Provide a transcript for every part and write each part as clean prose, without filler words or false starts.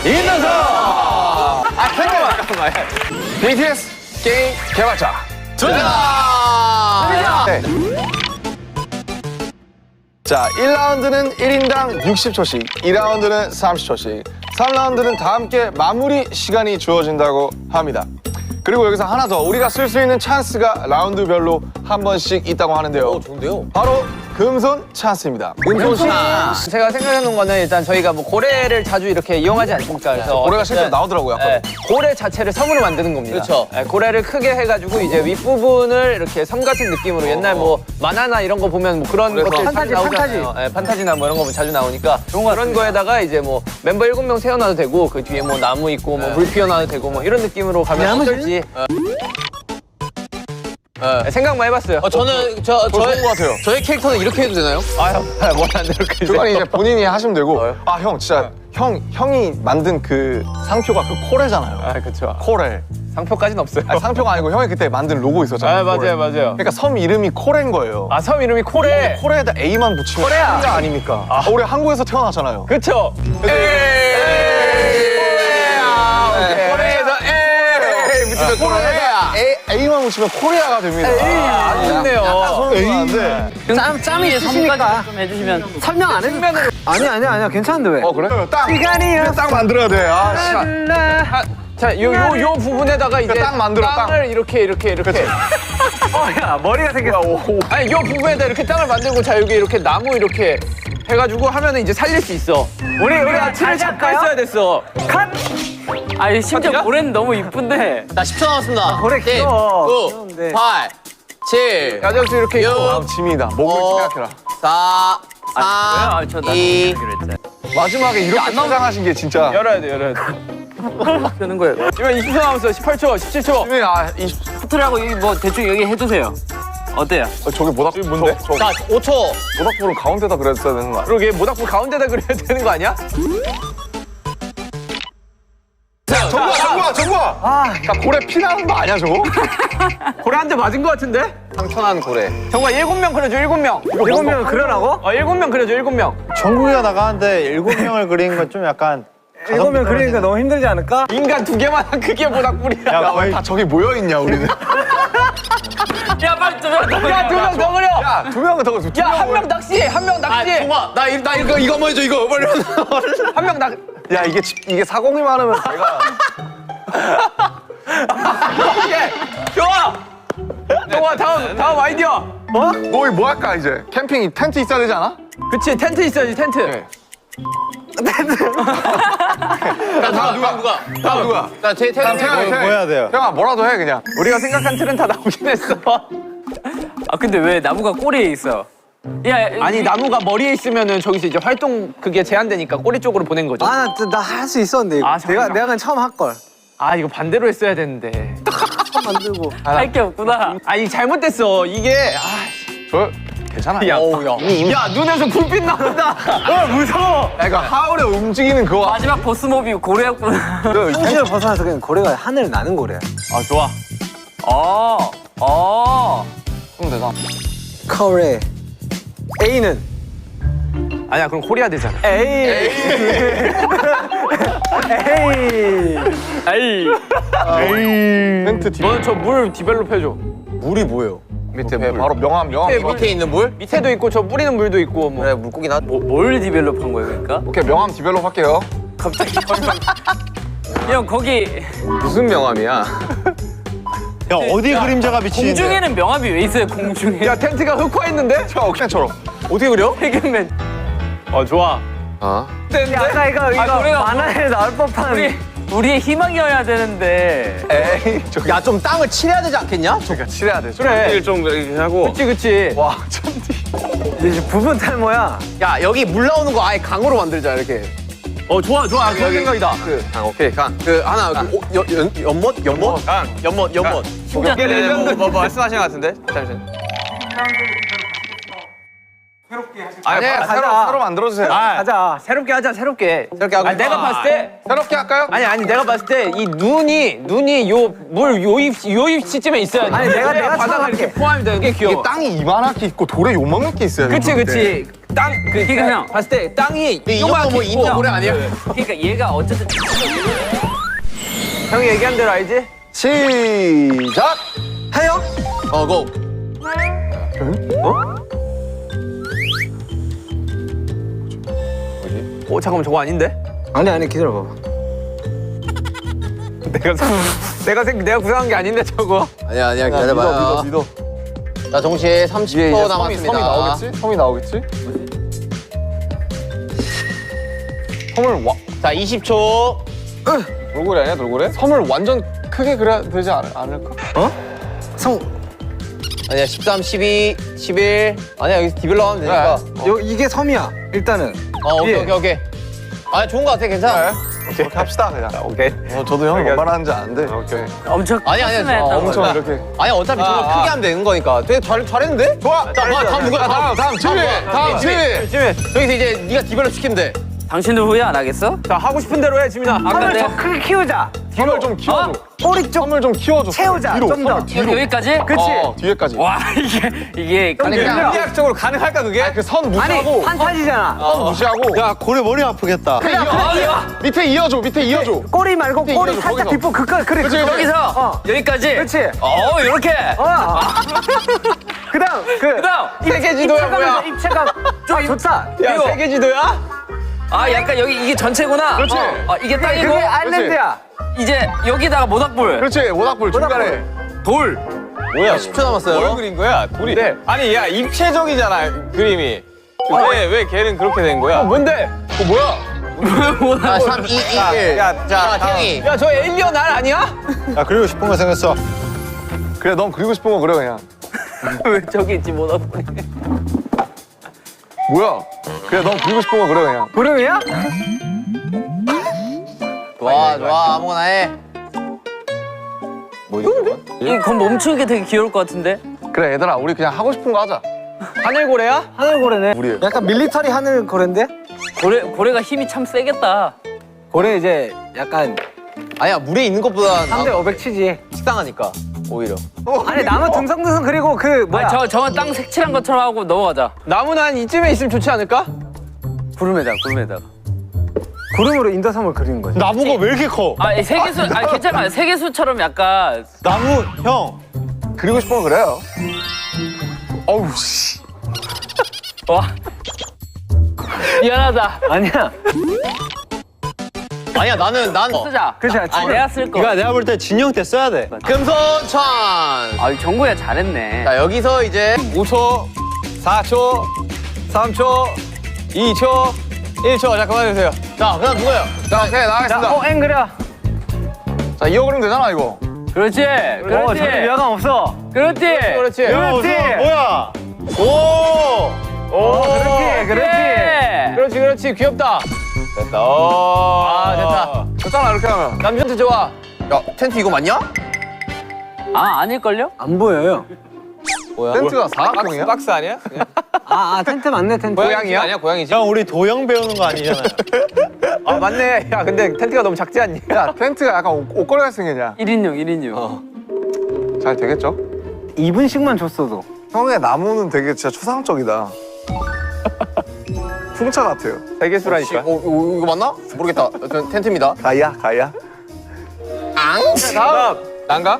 이인단서! 잠깐만. BTS 게임 개발자. 전화! 네. 자, 1라운드는 1인당 60초씩, 2라운드는 30초씩, 3라운드는 다 함께 마무리 시간이 주어진다고 합니다. 그리고 여기서 하나 더, 우리가 쓸 수 있는 찬스가 라운드별로 한 번씩 있다고 하는데요. 좋은데요? 바로 금손 찬스입니다. 금손 씨. 제가 생각해놓은 거는 일단 저희가 뭐 고래를 자주 이렇게 이용하지 않습니까? 그래서 고래가 실제로 나오더라고요, 아까. 네, 고래 자체를 섬으로 만드는 겁니다. 그렇죠. 네, 고래를 크게 해가지고 이제 윗부분을 이렇게 섬 같은 느낌으로 옛날 뭐 만화나 이런 거 보면 뭐 그런 것들 자주 나오잖아요. 네, 판타지나 뭐 이런 거 보면 자주 나오니까 그런 거에다가 이제 뭐 멤버 7명 세워놔도 되고 그 뒤에 뭐 나무 있고 뭐 물 피워놔도 되고 뭐 이런 느낌으로 가면 어떨지 네, 생각만 해봤어요. 저는 좋은 것 같아요. 저의 캐릭터는 이렇게 해도 되나요? 뭐안 이렇게 그건 이제 본인이 하시면 되고. 아, 형, 진짜 형이 만든 그 상표가 그 코레잖아요. 아, 그렇죠. 코레. 상표까지는 없어요. 아니, 상표가 아니고 형이 그때 만든 로고 있었잖아요. 아, 맞아요, 코레. 맞아요. 그러니까 섬 이름이 코레인 거예요. 아, 섬 이름이 코레. 코레에다 A만 붙이면 코레야. 코레 아닙니까? 우리 한국에서 태어났잖아요. 그쵸? 코레에서 에이 붙이면 코레야. A만 붙이면 코리아가 됩니다. 아주 좋네요. 약간 소름 짬이 있으시니까 좀 해주시면 설명 안 해도 아니야 괜찮은데 왜? 그래? 딱 시간이요. 딱 만들어야 돼. 아, 씨. 자, 요 부분에다가 이제 땅 만들어, 땅. 땅을 이렇게. 야 머리가 생겼어. 아니, 요 부분에다 이렇게 땅을 만들고 자, 여기 이렇게 나무 이렇게 해가지고 하면은 이제 살릴 수 있어. 우리 아치를 잡고 했어야 됐어. 아니 심지어 고래는 너무 이쁜데. 나 10초 남았습니다. 고래 10, 귀여워. 9, 귀여운데. 8, 7, 야적수 이렇게 있고. 아, 짐이다. 목을 생각해라. 4, 3, 2, 마지막에 이렇게 포장하신 게 진짜. 열어야 돼. 되는 거예요. 이거 20초 남았어. 18초, 17초. 짐이 포트라고 여기 뭐 대충 여기 해주세요. 어때요? 저게 모닥불 뭔데? 자, 5초. 모닥불을 가운데다 그랬어야 되는 거 아니야? 그러게 모닥불 가운데다 그려야 되는 거 아니야? 정구야! 나 고래 피나는 거 아니야, 저거? 고래 한 대 맞은 거 같은데? 상처난 고래. 정말 7명 그려줘, 7명. 7명을 그려라고? 7명 그려줘, 7명. 정국이가 나가는데 7명을 그리는 건 좀 약간 7명 그리니까 너무 힘들지 않을까? 인간 2개만한 크기의 모닥불이야. 야, 왜 다 저기 모여있냐, 우리는? 야 빨리 좀. 야, 2명 더 그려. 야, 2명은 더, 야, 한 명 낚시해, 한 명 낚시해. 정아, 나 이거 먼저 해줘, 이거. 빨리. 한 명 낚. 야, 이게 사공이 많으면 내가. 좋아. 좋아, 다음 아이디어. 너희 뭐 할까, 이제? 캠핑 텐트 있어야 되지 않아? 그치, 텐트 있어야지, 텐트. 네. 다음 누가? 다음 누구야? 나 태양. 뭐 해야 돼요? 형아, 뭐라도 해, 그냥. 우리가 생각한 틀은 다 나오긴 했어. 아 근데 왜 나무가 꼬리에 있어? 야 아니, 나무가 머리에 있으면은 저기서 이제 활동 그게 제한되니까 꼬리 쪽으로 보낸 거죠. 나 할 수 있었는데 이거. 아, 잠깐만. 내가 그냥 처음 할 걸. 아, 이거 반대로 했어야 되는데. 처음 만들고. 할 게 없구나. 아, 이 잘못됐어. 이게 저, 괜찮아. 야, 야. 야, 눈에서 불빛 나온다. 무서워. 야, 이거 하울에 움직이는 그거. 마지막 보스몹이 고래였구나. 현실을 벗어나서 그냥 고래가 하늘 나는 고래야. 아, 좋아. 그럼 되나? 고래. A는 아니야, 그럼 코리아 되잖아. A. 텐트 뒤. 너는 저 물 디벨롭 해줘. 물이 뭐예요? 밑에 네, 물. 바로 명함. 밑에 있는 물? 밑에도 있고 저 뿌리는 물도 있고 뭐. 그래, 물고기 나. 뭘 디벨롭한 거예요, 그러니까? 오케이, 명함 디벨롭 할게요. 형 거기 무슨 명함이야? 야 어디 그림자가 비치는데? 공중에는 명함이 왜 있어요? 공중에. 야, 텐트가 흑화했는데? 저 옥션처럼. 어떻게 그려? 태균맨. 좋아. 어? 아까 이거 만화에 나올 법한 우리의 희망이어야 되는데. 에이, 저기. 야, 좀 땅을 칠해야 되지 않겠냐? 그러니까 칠해야 돼. 그래. 좀 이렇게 하고. 그치. 와, 천디. 이제 부분 탈모야. 야, 여기 물 나오는 거 아예 강으로 만들자, 이렇게. 좋아. 좋은 생각이다. 강, 오케이, 강. 하나, 연못? 강. 연못. 신기한 레전드. 뭐 말씀하신 것 같은데? 잠시만. 아니야, 새로 만들어주세요. 가자. 새롭게 하자, 새롭게. 새롭게 하고. 내가 봤을 때. 새롭게 할까요? 아니, 내가 봤을 때 이 눈이 요 물 요입 시점에 있어야 돼. 아니, 내가 바다가 처음 이렇게 할게. 포함이 되는 게 이게 귀여워. 땅이 이만하게 있고 돌에 요만하게 있어야 돼. 그치. 그냥 봤을 때 땅이 이 정도 뭐 인도 고래 아니야? 그러니까 얘가 어쨌든 형이 얘기한 대로 알지? 시작. 해요? 고. 잠깐만 저거 아닌데? 아니 기다려봐. 내가 구상한 게 아닌데 저거. 아니야 기다려봐요. 믿어. 자 동시에 30초 남았습니다. 섬이 나오겠지? 섬이 나오겠지? 섬을 자 20초. 돌고래 아니야 돌고래? 섬을 완전 크게 그려야 되지 않을까? 아니야 13, 12, 11. 아니야 여기서 디벨로 하면 되니까. 이게 섬이야. 일단은. 오케이. 아 좋은 거 같아 괜찮아. 오케이 합시다 그냥. 오케이. 저도 형이 뭔 말하는지 아는데. 오케이. 엄청 아니야. 엄청 이렇게. 아니 어차피 저거 크게 하면 되는 거니까. 되게 잘했는데? 좋아. 자, 다음 누구야? 다음 지휘. 다음 지휘. 여기서 이제 네가 디벨로 시키면 돼. 당신들 후회 안 하겠어? 자 하고 싶은 대로 해 지민아. 섬을 더 크게 키우자. 섬을 좀 키워줘. 꼬리 쪽 섬을 좀 키워줘. 채우자. 뒤로. 좀 더. 섬을 뒤로. 여기까지? 그치? 뒤에까지. 와 이게 아니 그냥 물리학적으로 가능할까 그게? 그 선 아니 무시하고. 판타지잖아. 선 무시하고. 야 고래 머리 아프겠다. 밑에 이어줘. 밑에 이어줘. 꼬리 말고 꼬리 이거죠, 살짝 거기서. 뒷부 그까 그래. 그치, 여기서 여기까지? 그렇지. 이렇게 그다음 그다음 세계 지도야 뭐야? 입체감 좀 좋다. 야 세계 지도야? 약간 여기 이게 전체구나. 그렇지. 이게 땅이고 그게 아일랜드야. 이제 여기다가 모닥불 그렇지. 모닥불 중간에. 돌. 뭐야? 10초 남았어요. 뭘 그린 거야? 돌이. 아니 야 입체적이잖아 그림이. 왜 걔는 그렇게 된 거야? 뭔데? 뭐야? 자 3, 2, 1. 자 태영이. 야 저 에일리언 알 아니야? 야 그리고 싶은 거 생겼어. 그래 넌 그리고 싶은 거 그래 그냥. 왜 저기 있지 모닥불이? 뭐야? 그래 넌 그리고 싶은 거 그래 그냥. 구름이야? 좋아 아무거나 해. 이건 멈추는 게 되게 귀여울 것 같은데? 그래 얘들아 우리 그냥 하고 싶은 거 하자. 하늘고래야? 하늘고래네. 우리. 약간 밀리터리 하늘고래인데? 고래가 힘이 참 세겠다. 고래 이제 약간 아니야 물에 있는 것보다 3대 500 치지. 식상하니까 오히려. 아니 나무 듬성듬성 그리고 그 뭐야? 저건 땅 색칠한 것처럼 하고 넘어가자. 나무는 한 이쯤에 있으면 좋지 않을까? 구름에다가. 구름으로 인더섬을 그리는 거지. 나무가 왜 이렇게 커? 세계수, 괜찮아. 세계수처럼 약간. 나무 형. 그리고 싶은 거 그래요. 어우 씨. 와. 미안하다. 아니야. 아니야 난 쓰자. 그치, 내가 쓸 거. 이거 내가 볼 때 진영 때 써야 돼. 금손천. 정구야 잘했네. 자 여기서 이제 5초, 4초, 3초, 2초, 1초. 자 그만해주세요. 자 그다음 누구예요? 자 오케이 나가겠습니다. 앵 그려. 자 이어 그리면 되잖아 이거. 그렇지. 그렇지. 전혀 위화감 없어. 그렇지. 그렇지. 그렇지. 뭐야? 그렇지. 그렇지. 귀엽다. 됐다. 됐다. 됐잖아 이렇게 하면. 남편도 좋아. 야 텐트 이거 맞냐? 아닐걸요? 안 보여요. 텐트가 사각형이야? 박스 아니야? 텐트 맞네 텐트. 고양이 아니야? 고양이지? 형 우리 도형 배우는 거 아니잖아요. 아 맞네. 야 근데 텐트가 너무 작지 않니? 야 텐트가 약간 옷걸이 같이 생겼냐? 1인용. 잘 되겠죠? 2분씩만 줬어도. 형의 나무는 되게 진짜 초상적이다. 풍차 같아요. 세계수라니까. 이거 맞나? 모르겠다. 여튼 텐트입니다. 가이야. 다음. 난가?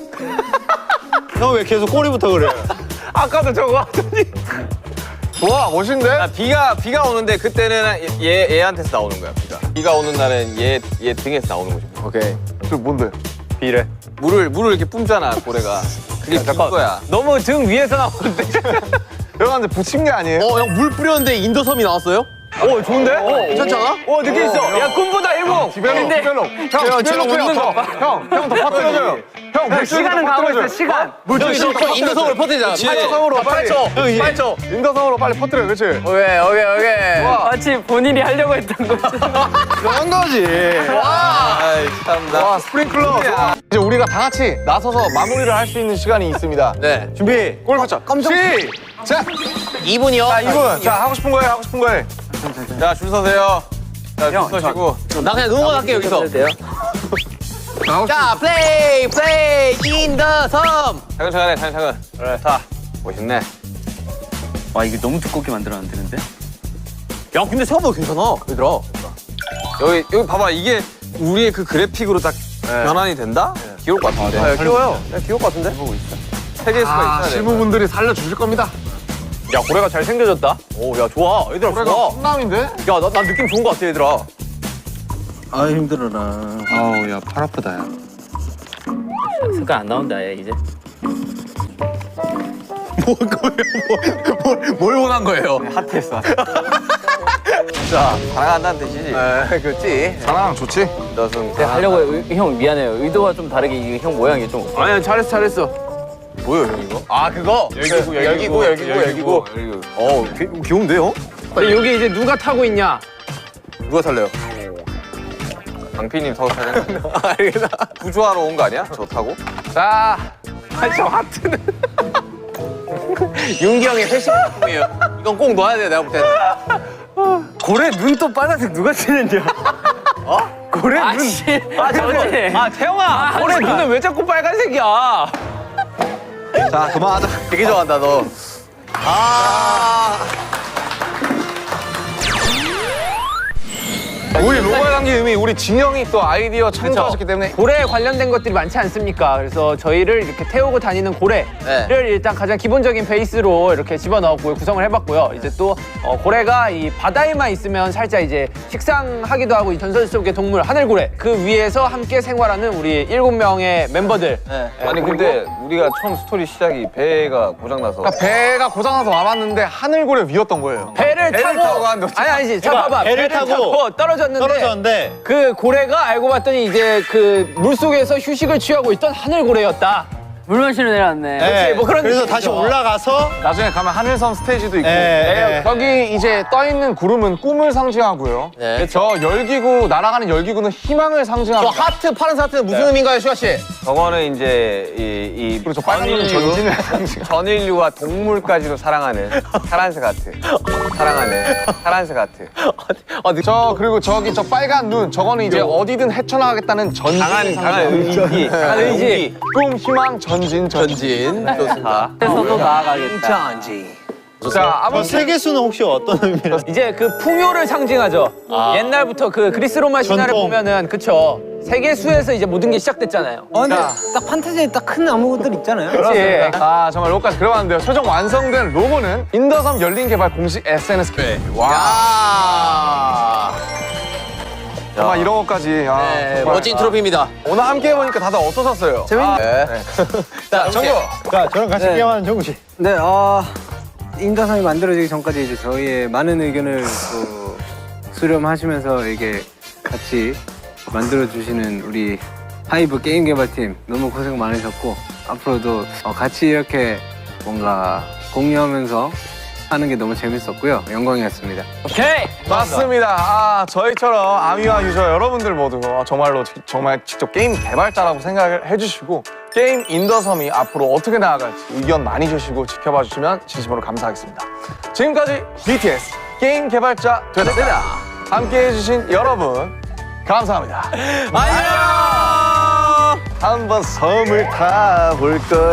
형 왜 계속 꼬리부터 그래? 아까도 저거 하더니. 좋아 멋있는데? 비가 오는데 그때는 얘한테서 나오는 거야 비가 오는 날은 얘 등에서 나오는 거지. 오케이. 저 뭔데? 비래. 물을 이렇게 뿜잖아 고래가. 그게 비 거야. 너무 등 위에서 나오는데. 형한테 붙인 게 아니에요? 형 물 뿌렸는데 인더섬이 나왔어요? 오 좋은데? 괜찮지 않아? 오 느낌 있어. 야 꿈보다 일봉. 디벨롭. 형 디벨롭해요. 형더 퍼뜨려줘요. 형 물줄기 시간은 가고 있어 퍼뜨려줘요. 시간. 형 인더섬을 퍼뜨리자. 8초성으로 빨리. 8초. 인더성으로 빨리 퍼뜨려, 그렇지? 오케이. 마치 본인이 하려고 했던 거지. 그런 거지. 아이 참나. 와 스프링클러. 이제 우리가 다 같이 나서서 마무리를 할 수 있는 시간이 있습니다. 네. 준비. 골프차. 시작. 2분이요. 자 2분. 자 하고 싶은 거예요. 자 줄 서세요. 자줄 서시고. 나 그냥 응원할게 여기서. 돼요? 자 플레이 인더섬. 차근차근 해 차근차근. 그래 자 멋있네. 와 이게 너무 두껍게 만들었는데 근데? 야 근데 생각보다 괜찮아 얘들아. 여기 봐봐 이게 우리의 그 그래픽으로 딱 변환이 된다? 귀여울 것 같은데. 네, 귀여워요. 네, 귀여울 것 같은데. 세 개의 수가 있어야 돼. 실무분들이 살려주실 겁니다. 야 고래가 잘 생겨졌다. 오, 야 좋아. 얘들아 올해가 좋아. 훈남인데? 야, 난 느낌 좋은 것 같아 얘들아. 아 힘들어라. 아우 야 팔 아프다 야. 색깔 안 나온다 얘 이제. 뭘 원한 거예요? 핫했어. 자 사랑한다는 뜻이지. 네, 그렇지. 사랑 좋지? 너승. 제가 하려고 형 미안해요. 의도가 좀 다르게 이게 형 모양이 좀. 아니야 잘했어. 뭐예요 형 이거? 아 그거. 열기구. 어, 귀여운데요? 근데 여기 이제 누가 타고 있냐? 누가 탈래요? 강피님 타고 타냐? 알겠다. 구조하러 온 거 아니야? 저 타고? 자, 저 하트는 윤기 형의 패션 작품이에요. 이건 꼭 넣어야 돼 내가 볼 때는. 고래 눈 또 빨간색 누가 칠했냐? 고래 눈. 아 저거지. 아 태영아, 올해 눈은 왜 자꾸 빨간색이야? 자 그만하자. 되게 좋아한다 너. 우리 로컬 단계 의미 우리 진영이 또 아이디어 창조하셨기 때문에 고래에 관련된 것들이 많지 않습니까? 그래서 저희를 이렇게 태우고 다니는 고래를 네. 일단 가장 기본적인 베이스로 이렇게 집어넣었고요. 구성을 해봤고요. 이제 또 고래가 이 바다에만 있으면 살짝 이제 식상하기도 하고 이 전설 속의 동물 하늘고래 그 위에서 함께 생활하는 우리 7명의 멤버들. 아니 근데 우리가 처음 스토리 시작이 배가 고장나서 그러니까 배가 고장나서 와봤는데 하늘고래 위였던 거예요. 배를 타고 가는데 아니지. 자 봐봐. 배를 타고 떨어졌는데 그 고래가 알고 봤더니 이제 그 물속에서 휴식을 취하고 있던 하늘고래였다. 물 마시러 내려왔네. 네, 뭐 그런 그래서 느낌이죠. 다시 올라가서 나중에 가면 하늘섬 스테이지도 있고 예, 예. 여기 이제 떠있는 구름은 꿈을 상징하고요. 네. 저 열기구 날아가는 열기구는 희망을 저 상징합니다. 하트 파란색 하트는 무슨 의미인가요 슈아 씨? 저거는 이제 이 그리고 저 빨간 눈은 전진을 상징. 전인류와 동물까지도 사랑하는 파란색 하트. 사랑하는 파란색 하트. 저 그리고 저기 저 빨간 눈 저거는 이제 어디든 헤쳐나가겠다는 전진. 강한 의지. 강한 의지. 꿈 희망 전진. 전진. 좋습니다. 그래서도 나아가겠다. 자 아무튼 세계수는 혹시 어떤 의미로? 이제 그 풍요를 상징하죠. 옛날부터 그 그리스 로마 신화를 전통. 보면은 그쵸. 세계수에서 이제 모든 게 시작됐잖아요. 근데 딱 판타지에 딱 큰 나무들 있잖아요. 그렇지. 아 정말 로까지 그려봤는데요. 최종 완성된 로고는 인더섬 열린 개발 공식 SNS. 와. 정말 이런 것까지. 아, 네, 정말. 멋진 트로피입니다. 오늘 함께 해보니까 다들 어떠셨어요? 네. 자, 정규. 자 저랑 같이 네. 게임하는 정우 씨. 네, 인더섬이 만들어지기 전까지 이제 저희의 많은 의견을 또 수렴하시면서 이게 같이 만들어주시는 우리 하이브 게임 개발팀 너무 고생 많으셨고 앞으로도 같이 이렇게 뭔가 공유하면서 하는 게 너무 재밌었고요. 영광이었습니다. 오케이. 맞습니다. 아, 저희처럼 아미와 유저 여러분들 모두 정말로 정말 직접 게임 개발자라고 생각을 해주시고 게임 인더섬이 앞으로 어떻게 나아갈지 의견 많이 주시고 지켜봐 주시면 진심으로 감사하겠습니다. 지금까지 BTS 게임 개발자 되다 함께 해주신 여러분 감사합니다. 안녕. 한번 섬을 타볼 걸.